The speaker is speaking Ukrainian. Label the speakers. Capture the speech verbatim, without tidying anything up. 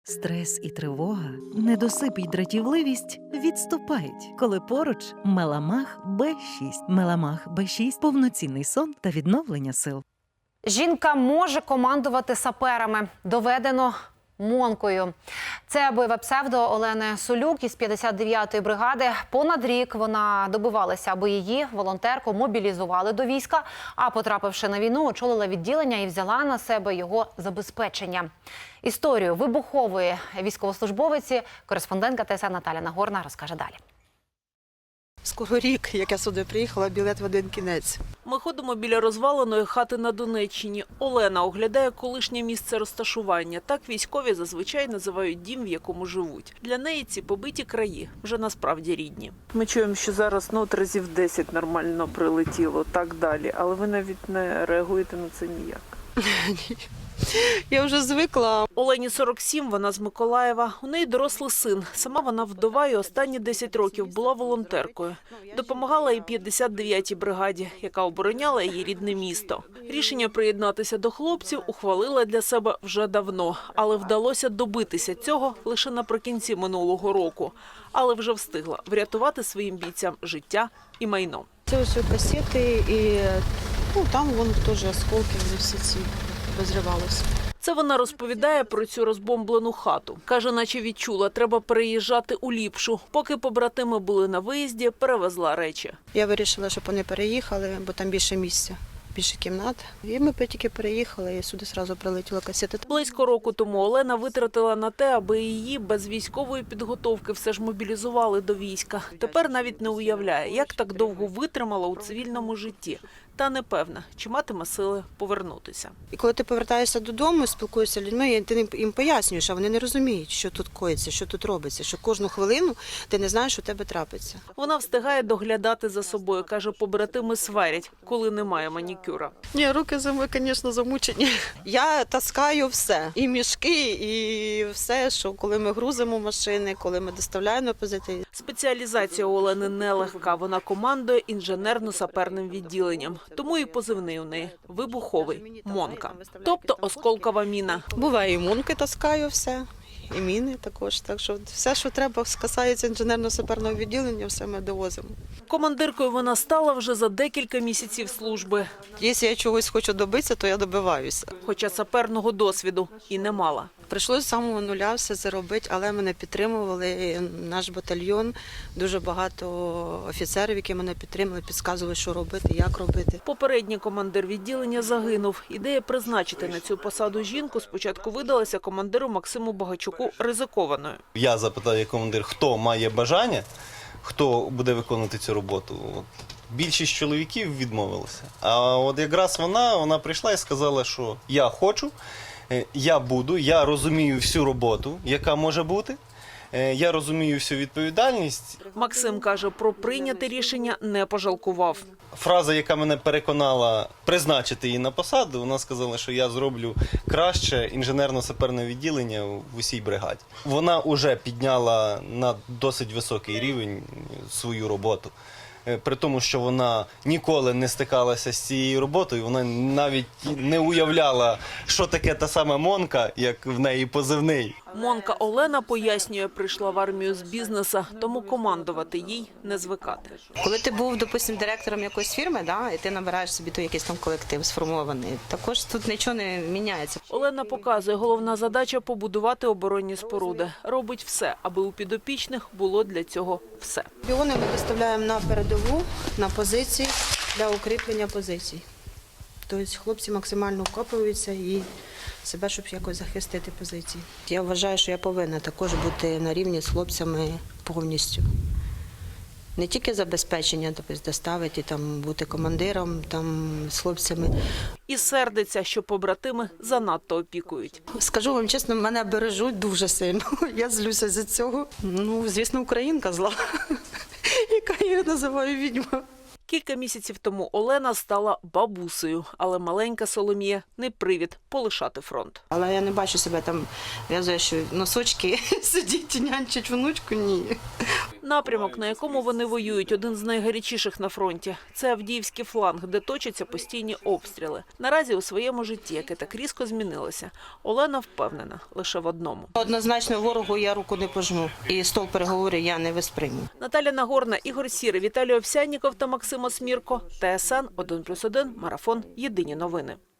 Speaker 1: Стрес і тривога, недосип і дратівливість відступають, коли поруч Меламах Б шість. Меламах Б шість – повноцінний сон та відновлення сил.
Speaker 2: Жінка може командувати саперами. Доведено Монкою. Це бойове псевдо Олени Солюк із п'ятдесят дев'ятої бригади. Понад рік вона добивалася, аби її, волонтерку, мобілізували до війська, а потрапивши на війну, очолила відділення і взяла на себе його забезпечення. Історію вибухової військовослужбовиці кореспондентка Т С Н Наталя Нагорна розкаже далі.
Speaker 3: Скоро рік, як я сюди приїхала, білет в один кінець.
Speaker 4: Ми ходимо біля розваленої хати на Донеччині. Олена оглядає колишнє місце розташування. Так військові зазвичай називають дім, в якому живуть. Для неї ці побиті краї вже насправді рідні. Ми чуємо, що зараз ну, от разів десять нормально прилетіло, так далі. Але ви навіть не реагуєте на це ніяк.
Speaker 3: Я вже звикла.
Speaker 4: Олені сорок сім, вона з Миколаєва. У неї дорослий син. Сама вона вдова і останні десять років була волонтеркою. Допомагала і п'ятдесят дев'ятій бригаді, яка обороняла її рідне місто. Рішення приєднатися до хлопців ухвалила для себе вже давно. Але вдалося добитися цього лише наприкінці минулого року. Але вже встигла врятувати своїм бійцям життя і майно.
Speaker 3: Це ось касети і ну, там вон теж осколки, вони всі ці розривалися.
Speaker 4: Це вона розповідає про цю розбомблену хату. Каже, наче відчула, треба переїжджати у ліпшу. Поки побратими були на виїзді, перевезла речі.
Speaker 3: Я вирішила, щоб вони переїхали, бо там більше місця, більше кімнат. І ми тільки переїхали, і сюди одразу прилетіла касета.
Speaker 4: Близько року тому Олена витратила на те, аби її без військової підготовки все ж мобілізували до війська. Тепер навіть не уявляє, як так довго витримала у цивільному житті. Та не певна, чи матиме сили повернутися.
Speaker 3: І коли ти повертаєшся додому, спілкуєшся з людьми, і ти їм пояснюєш, а вони не розуміють, що тут коїться, що тут робиться, що кожну хвилину ти не знаєш, що у тебе трапиться.
Speaker 4: Вона встигає доглядати за собою. Каже, побратими сварять, коли немає манікюра.
Speaker 3: Ні, руки, звісно, замучені. Я таскаю все. І мішки, і все, що коли ми грузимо машини, коли ми доставляємо на позиції.
Speaker 4: Спеціалізація у Олени нелегка. Вона командує інженерно-саперним відділенням. Тому і позивний у неї – вибуховий, Монка. Тобто осколкова міна.
Speaker 3: Буває, і монки таскаю все, і міни також. Так що все, що треба, касається інженерно-саперного відділення, все ми довозимо.
Speaker 4: Командиркою вона стала вже за декілька місяців служби.
Speaker 3: Якщо я чогось хочу добитися, то я добиваюся.
Speaker 4: Хоча саперного досвіду і не мала.
Speaker 3: Прийшлося з самого нуля все це робити, але мене підтримували, наш батальйон, дуже багато офіцерів, які мене підтримали, підказували, що робити, як робити.
Speaker 4: Попередній командир відділення загинув. Ідея призначити на цю посаду жінку спочатку видалася командиру Максиму Багачуку ризикованою.
Speaker 5: Я запитав як командир, хто має бажання, хто буде виконувати цю роботу. От. Більшість чоловіків відмовилися. А от якраз вона, вона прийшла і сказала, що я хочу, я буду, я розумію всю роботу, яка може бути, я розумію всю відповідальність.
Speaker 4: Максим каже, про прийняте рішення не пожалкував.
Speaker 5: Фраза, яка мене переконала призначити її на посаду, вона сказала, що я зроблю краще інженерно-саперне відділення в усій бригаді. Вона вже підняла на досить високий рівень свою роботу. При тому, що вона ніколи не стикалася з цією роботою, вона навіть не уявляла, що таке та сама Монка, як в неї позивний.
Speaker 4: Монка Олена, пояснює, прийшла в армію з бізнесу, тому командувати їй не звикати.
Speaker 6: Коли ти був, допустим, директором якоїсь фірми, да, і ти набираєш собі той якийсь там колектив сформований, також тут нічого не міняється.
Speaker 4: Олена показує, головна задача – побудувати оборонні споруди. Робить все, аби у підопічних було для цього все.
Speaker 3: Біони ми виставляємо на передову, на позиції, для укріплення позицій. Тобто хлопці максимально вкопуються і себе, щоб якось захистити позиції. Я вважаю, що я повинна також бути на рівні з хлопцями повністю. Не тільки забезпечення, тобто доставити, там, бути командиром там, з хлопцями.
Speaker 4: І сердиться, що побратими занадто опікують.
Speaker 3: Скажу вам чесно, мене бережуть дуже сильно. Я злюся за цього. Ну, звісно, українка зла, яка я називаю відьма.
Speaker 4: Кілька місяців тому Олена стала бабусею, але маленька Соломія – не привід полишати фронт.
Speaker 3: Але я не бачу себе там, в'язую, що носочки сидіть, нянчать внучку, ні.
Speaker 4: Напрямок, на якому вони воюють, один з найгарячіших на фронті. Це Авдіївський фланг, де точаться постійні обстріли. Наразі у своєму житті, яке так різко змінилося, Олена впевнена лише в одному.
Speaker 6: Однозначно ворогу я руку не пожму. І стол переговорів я не висприйму.
Speaker 4: Наталя Нагорна, Ігор Сірий, Віталій Овсянніков та Максим Осмірко. Т С Н один плюс один, Марафон. Єдині новини.